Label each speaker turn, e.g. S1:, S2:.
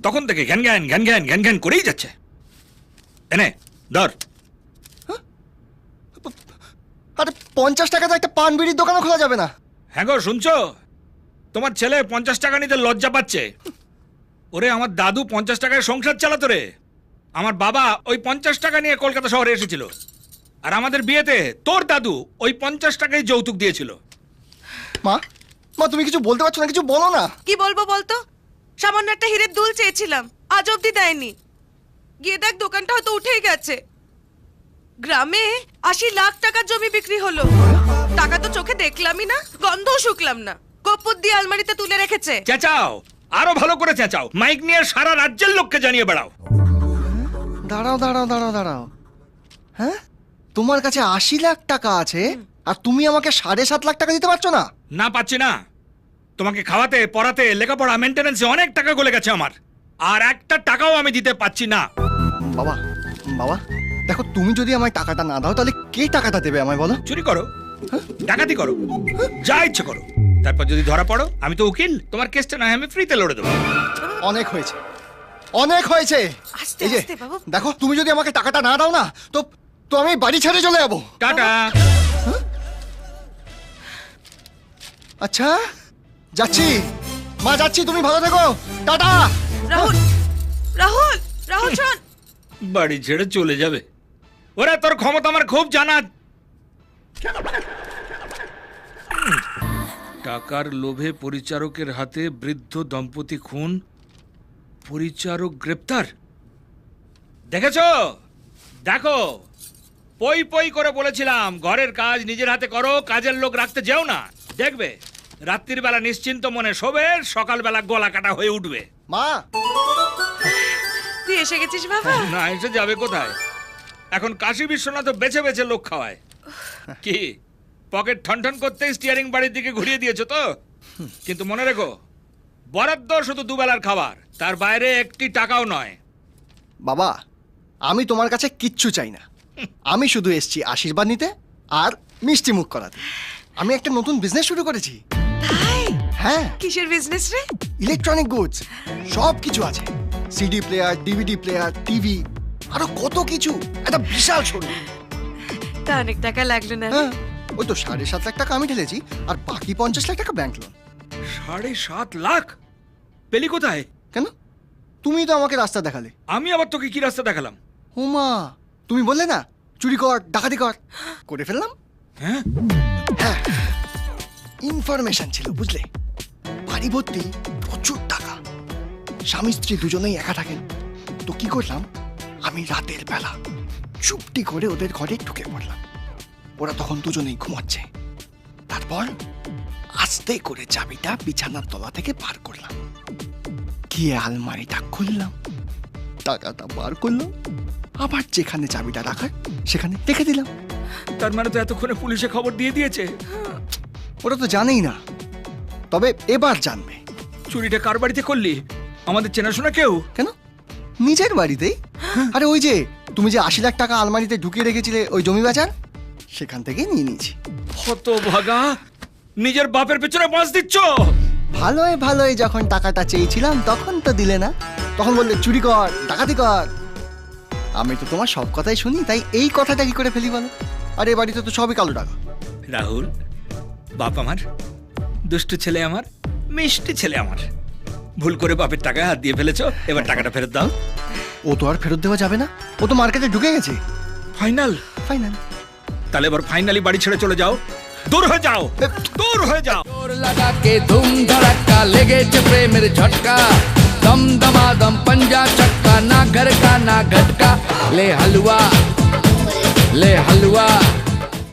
S1: তখন থেকে ঘ্যান ঘ্যান ঘ্যান ঘ্যান ঘ্যান ঘ্যান করেই যাচ্ছে। এনে ধর।
S2: আরে 50 টাকা তো একটা পান বিড়ির দোকানও খোলা যাবে না?
S1: হ্যাঁ গো, শুনছো? তোমার ছেলে 50 টাকা নিতে লজ্জা পাচ্ছে। ওরে আমার দাদু 50 টাকায় সংসার চালাতো রে। আমার বাবা ওই 50 টাকা নিয়ে কলকাতা শহরে এসেছিল, আর আমাদের বিয়েতে তোর দাদু ওই 50 টাকাই যৌতুক দিয়েছিল।
S2: মা, মা তুমি কিছু বলতে পারছো না? কিছু বলো না।
S3: কি বলবো বলতো? সামান্য একটা হীরের দুল চেয়েছিলাম, আজ অব্দি দেয়নি। গিয়ে দেখ দোকানটা হয়তো উঠেই গেছে। গ্রামে 80 লাখ টাকার জমি বিক্রি হলো। টাকা তো চোখে দেখলামই না, গন্ধও শুকলাম না। কপ্পুর দিয়ে আলমারিতে তুলে রেখেছে।
S1: চেঁচাও, আরো ভালো করে চেঁচাও, মাইক নিয়ে সারা রাজ্যের লোককে জানিয়ে বেড়াও।
S2: দাঁড়াও দাঁড়াও দাঁড়াও দাঁড়াও, হ্যাঁ তোমার কাছে 80 লাখ টাকা আছে আর তুমি আমাকে 7.5 লাখ টাকা দিতে পারছো না?
S1: না পাচ্ছি না। তোমাকে খাওয়াতে, পড়াতে, লেখাপড়া, মেনটেনেন্সে অনেক টাকা গলে গেছে আমার, আর একটা টাকাও আমি দিতে পাচ্ছি না।
S2: বাবা, বাবা দেখো, তুমি যদি আমায় টাকাটা না দাও তাহলে কে টাকাটা দেবে আমায় বলো?
S1: চুরি করো, ডাকাতি করো, যা ইচ্ছে করো, তারপর যদি ধরা পড়ো আমি তো উকিল, তোমার কেসটা না আমি ফ্রিতে লড়ে দেবো।
S2: অনেক হয়েছে, অনেক হয়েছে।
S3: আস্তে
S2: এই যে
S3: আস্তে বাবু।
S2: দেখো, তুমি যদি আমাকে টাকাটা না দাও না তো তো আমি বাড়ি ছেড়ে চলে যাবো।
S1: টাটা।
S2: আচ্ছা যাচ্ছি মা, যাচ্ছি, তুমি ভালো থেকো, টাটা।
S3: রাহুল, রাহুল, রাহুল শোন।
S1: বাড়ি ছেড়ে চলে যাবে? ওরে তোর ক্ষমতা আমার খুব জানা। টাকার লোভে পরিচারকের হাতে বৃদ্ধ দম্পতি খুন, পরিচারক গ্রেপ্তার। দেখেছো? দেখো, পই পই করে বলেছিলাম ঘরের কাজ নিজের হাতে করো, কাজের লোক রাখতে যেও না। দেখবে রাত্রির বেলা নিশ্চিন্ত মনে শোবে, সকালবেলা গলা কাটা হয়ে উঠবে।
S2: মা,
S3: তুই এসে গেছিস বাবা?
S1: না এসে যাবে কোথায়? এখন কাশী বিশ্বনাথ বেছে বেছে লোক খাওয়ায়। কি পকেট ঠনঠন করতে স্টিয়ারিং বাড়ির দিকে ঘুরিয়ে দিয়েছো তো? কিন্তু মনে রেখো, বরাদ্দ শুধু দুবেলার খাবার, তার বাইরে একটি টাকাও নয়।
S2: বাবা আমি তোমার কাছে কিচ্ছু চাই না, আমি শুধু এসেছি আশীর্বাদ নিতে আর মিষ্টি মুখ করাতে। আমি একটা নতুন বিজনেস শুরু করেছি।
S3: তাই?
S2: হ্যাঁ,
S3: কিসের বিজনেস রে?
S2: ইলেকট্রনিক গুডস, সব কিছু আছে, CD player, DVD player, TV, আরো কত কিছু। একটা বিশাল শোরুম।
S3: তা অনেক টাকা লাগলো না?
S2: হ্যাঁ, ওই তো 7.5 লাখ টাকা আমি ঢেলেছি আর বাকি 50 লাখ টাকা ব্যাংক লোন।
S1: 7.5 লাখ পেলি কোথায়?
S2: কেন? তুমি তো আমাকে রাস্তা দেখালে।
S1: আমি আবার তোকে কি রাস্তা দেখালাম?
S2: হুমা, তুমি বললে না চুরি কর, ডাকাতি কর, করে ফেললাম।
S1: হ্যাঁ,
S2: হ্যাঁ, ইনফরমেশন ছিল বুঝলে। বাড়ি ভর্তি প্রচুর টাকা, স্বামী স্ত্রী দুজনেই একা থাকেন। তো কি করলাম, আমি রাতের বেলা চুপটি করে ওদের ঘরে ঢুকে পড়লাম। ওরা তখন দুজনেই ঘুমাচ্ছে। তারপর আস্তে করে চাবিটা বিছানার তলা থেকে বার করলাম, গিয়ে আলমারিটা খুললাম, টাকাটা বার করলাম, আবার যেখানে চাবিটা রাখার সেখানে রেখে দিলাম।
S1: তার মানে তো এতক্ষণে পুলিশে খবর দিয়ে দিয়েছে।
S2: ওরা তো জানেই না, তবে এবার জানবে।
S1: চুরিটা কার বাড়িতে করলি? আমাদের চেনাশোনা কেউ?
S2: কেন, নিজের বাড়িতেই। আরে ওই যে তুমি যে 80 লাখ টাকা আলমারিতে ঢুকিয়ে রেখেছিলে ওই জমি বাজার, সেখান থেকেই নিয়ে নিয়েছি।
S1: হতভাগা, নিজের বাপের পেছনে বাঁশ দিচ্ছ।
S2: ভালোই ভালোই যখন টাকাটা চেয়েছিলাম তখন তো দিলে না, তখন বললে চুরি কর, ডাকাতি কর। আমি তো তোমার সব কথাই শুনি, তাই এই কথাটা কি করে ফেলি বলো? আর এ বাড়িতে তো সবই কালো টাকা।
S1: রাহুল, বাপ আমার, দুষ্টু ছেলে আমার, মিষ্টি ছেলে আমার, ভুল করে বাপের টাকায় হাত দিয়ে ফেলেছো, এবার টাকাটা ফেরত দাও।
S2: ও তো আর ফেরত দেওয়া যাবে না, ও তো মার্কেটে ঢুকে গেছে।
S1: ফাইনাল?
S2: ফাইনাল।
S1: তাহলে এবার ফাইনালি বাড়ি ছেড়ে চলে যাও, দূর হয়ে যাও, দূর হয়ে যাও।
S4: जोर लगा के धूम धड़का लेगे चपरे मेरे झटका दम दमादम पंजा चक्का ना घर का ना घटका ले हलवा